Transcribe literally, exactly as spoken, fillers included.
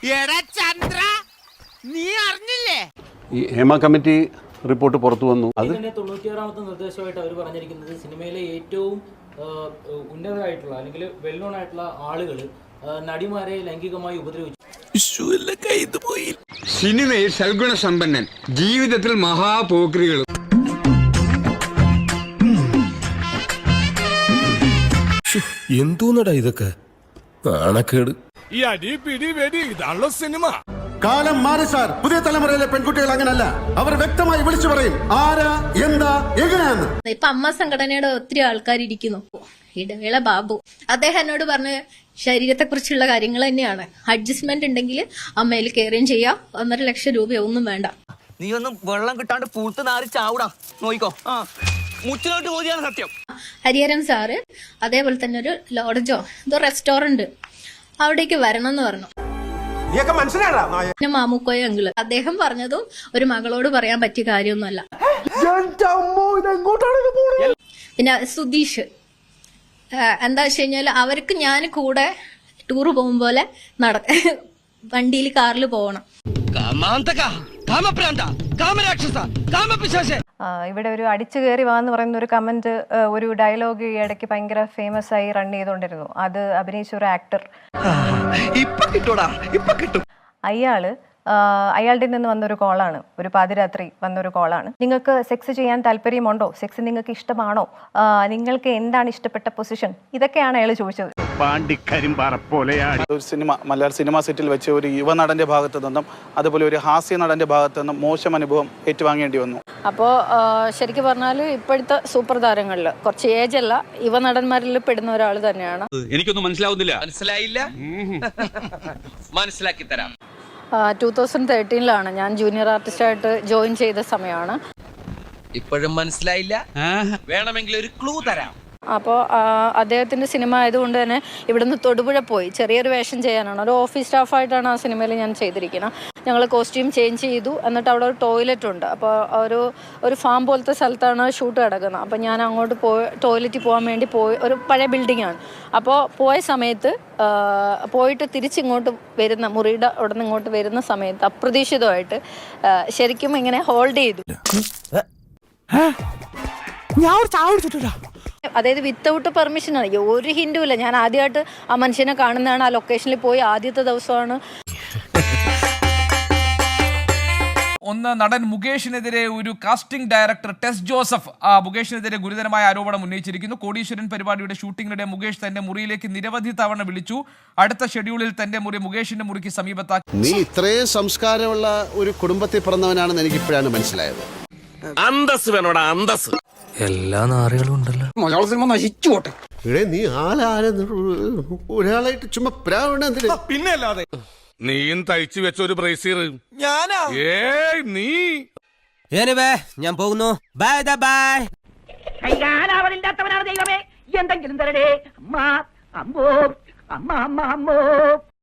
ചന്ദ്ര നീ അറിഞ്ഞില്ലേ? ഈ ഹേമ കമ്മിറ്റി റിപ്പോർട്ട് പുറത്തു വന്നു. അത് തൊണ്ണൂറ്റിയാറാമത്തെ നിർദ്ദേശമായിട്ട് അവർ പറഞ്ഞിരിക്കുന്നത് സിനിമയിലെ ഏറ്റവും ഉന്നതരായിട്ടുള്ള അല്ലെങ്കിൽ വെൽ നോൺ ആയിട്ടുള്ള ആളുകൾ നടിമാരെ ലൈംഗികമായി ഉപദ്രവിച്ചു. സിനിമയിൽ സൽഗുണ സമ്പന്നൻ, ജീവിതത്തിൽ മഹാപോക്രികൾ. എന്തോന്നടാ ഇതൊക്കെ നാണക്കേട്. ഈ അടി പിടി വെടി ഇതാണല്ലോ സിനിമ. കാലം മാറി സാർ. പുതിയ തലമുറയിലെ പെൺകുട്ടികൾ അങ്ങനല്ല. അവർ വ്യക്തമായി വിളിച്ചു പറയും ആരാ എന്താ എങ്ങനെയാന്ന്. ഇപ്പൊ അമ്മ സംഘടനയുടെ ഒത്തിരി ആൾക്കാർ ഇരിക്കുന്നു. ഇടവേള ബാബു അദ്ദേഹം എന്നോട് പറഞ്ഞ ശരീരത്തെ കുറിച്ചുള്ള കാര്യങ്ങൾ തന്നെയാണ്. അഡ്ജസ്റ്റ്മെന്റ് ഉണ്ടെങ്കിൽ അമ്മയിൽ കെയറിയും ചെയ്യാം. ഒന്നര ലക്ഷം രൂപ ഒന്നും വേണ്ട. നീ ഒന്നും വെള്ളം കിട്ടാണ്ട് പൂത്ത് നാറി ചാവൂടാ. നോയിക്കോ. ആ മുച്ചിലോട്ട് പോതിയാണ് സത്യം. ഹരിഹരൻ സാറ് അതേപോലെ തന്നെ ഒരു ലോഡ്ജോ എന്തോ റെസ്റ്റോറന്റ് അവിടേക്ക് വരണം എന്ന് പറഞ്ഞു. പിന്നെ മാമുക്കോയ അങ്കിള് അദ്ദേഹം പറഞ്ഞതും ഒരു മകളോട് പറയാൻ പറ്റിയ കാര്യമൊന്നുമല്ല. പിന്നെ സുധീഷ് എന്താ വെച്ച് കഴിഞ്ഞാൽ അവർക്ക് ഞാൻ കൂടെ ടൂറ് പോകും പോലെ നട വണ്ടിയിൽ കാറിൽ പോകണം. ഇവിടെ ഒരു അടിച്ചു കയറി വാന്ന് പറയുന്ന ഒരു കമന്റ്, ഒരു ഡയലോഗ് ഈ ഇടയ്ക്ക് ഭയങ്കര ഫേമസ് ആയി റൺ ചെയ്തോണ്ടിരുന്നു. അത് അഭിനയിച്ച ഒരു ആക്ടർ അയാള് അയാളുടെ നിന്ന് വന്നൊരു കോളാണ്, ഒരു പാതിരാത്രി വന്നൊരു കോളാണ്. നിങ്ങൾക്ക് സെക്സ് ചെയ്യാൻ താല്പര്യമുണ്ടോ, സെക്സ് നിങ്ങൾക്ക് ഇഷ്ടമാണോ, നിങ്ങൾക്ക് എന്താണ് ഇഷ്ടപ്പെട്ട പൊസിഷൻ, ഇതൊക്കെയാണ് അയാൾ ചോദിച്ചത്. ഒരു സിനിമ മലയാള സിനിമാ സെറ്റിൽ വെച്ച് ഒരു യുവനടന്റെ ഭാഗത്തു നിന്നും അതുപോലെ ഒരു ഹാസ്യ നടന്റെ ഭാഗത്തു നിന്നും മോശം അനുഭവം ഏറ്റുവാങ്ങേണ്ടി വന്നു. അപ്പോൾ ശരിക്കും പറഞ്ഞാൽ ഇപ്പോഴത്തെ സൂപ്പർ താരങ്ങളിൽ കുറച്ച് ഏജ് അല്ല, യുവനടന്മാരിൽ പെടുന്ന ഒരാൾ തന്നെയാണ്. എനിക്കൊന്നും മനസ്സിലാവുന്നില്ല. മനസ്സിലായില്ല, മനസ്സിലാക്കി തരാം. ടൂ തൗസൻഡ് തേർട്ടീനിലാണ് ഞാൻ ജൂനിയർ ആർട്ടിസ്റ്റായിട്ട് ജോയിൻ ചെയ്ത സമയമാണ്. ഇപ്പോഴും മനസ്സിലായില്ല, വേണമെങ്കിൽ ഒരു ക്ലൂ തരാം. അപ്പോൾ അദ്ദേഹത്തിൻ്റെ സിനിമ ആയതുകൊണ്ട് തന്നെ ഇവിടുന്ന് തൊടുപുഴ പോയി ചെറിയൊരു വേഷം ചെയ്യാനാണ്. ഒരു ഓഫീസ് സ്റ്റാഫായിട്ടാണ് ആ സിനിമയിൽ ഞാൻ ചെയ്തിരിക്കുന്നത്. ഞങ്ങൾ കോസ്റ്റ്യൂം ചേഞ്ച് ചെയ്തു. എന്നിട്ട് അവിടെ ഒരു ടോയ്ലറ്റ് ഉണ്ട്. അപ്പോൾ ഒരു ഒരു ഫാം പോലത്തെ സ്ഥലത്താണ് ഷൂട്ട് കിടക്കുന്നത്. അപ്പോൾ ഞാൻ അങ്ങോട്ട് പോയി ടോയ്ലറ്റിൽ പോകാൻ വേണ്ടി പോയി. ഒരു പഴയ ബിൽഡിങ്ങാണ്. അപ്പോൾ പോയ സമയത്ത് പോയിട്ട് തിരിച്ചിങ്ങോട്ട് വരുന്ന മുറിയുടെ അവിടെ നിന്ന് ഇങ്ങോട്ട് വരുന്ന സമയത്ത് അപ്രതീക്ഷിതമായിട്ട് ശരിക്കും ഇങ്ങനെ ഹോൾഡ് ചെയ്തു. അതായത് വിത്തൗട്ട് പെർമിഷനാണ്, ഒരു ഹിന്റും ഇല്ല. ഞാൻ ആദ്യമായിട്ട് ആ മനുഷ്യനെ കാണുന്നതാണ്. ആ ലൊക്കേഷനിൽ പോയി ആദ്യത്തെ ദിവസമാണ്. ഒന്ന്, നടൻ മുകേഷിനെതിരെ ഒരു കാസ്റ്റിംഗ് ഡയറക്ടർ ടെസ് ജോസഫ് മുകേഷിനെതിരെ ഗുരുതരമായ ആരോപണം ഉന്നയിച്ചിരിക്കുന്നു. കോടീശ്വരൻ പരിപാടിയുടെ ഷൂട്ടിങ്ങിനിടെ മുകേഷ് തന്റെ മുറിയിലേക്ക് നിരവധി തവണ വിളിച്ചു. അടുത്ത ഷെഡ്യൂളിൽ തന്റെ മുറി മുകേഷിന്റെ മുറിക്ക് സമീപത്താക്കി. നീ ഇത്രയും സംസ്കാരമുള്ള ഒരു കുടുംബത്തിൽ പിറന്നവനാണെന്ന് എനിക്ക് ഇപ്പോഴാണ് മനസ്സിലായത്. അന്തസ് വേണോടാ, അന്തസ്. എല്ലാ നാറുകളും ഉണ്ടല്ലോ. മലയാള സിനിമ നശിച്ചു പോട്ടെ. നീ ആളാരെ ഒരാളായിട്ട് ചുമ്മാ പ്രാവണ. പിന്നെ അല്ലാതെ നീയും തയ്ച്ചു വെച്ച ഒരു ബ്രേസീർ ഞാനാ. ഏയ് നീ ഞാൻ പോകുന്നു. Bye bye. അവരില്ലാത്തവനാണ് ദൈവമേ, എന്തെങ്കിലും തരടേ അമ്മ. അമ്മോ അമ്മ അമ്മ അമ്മോ.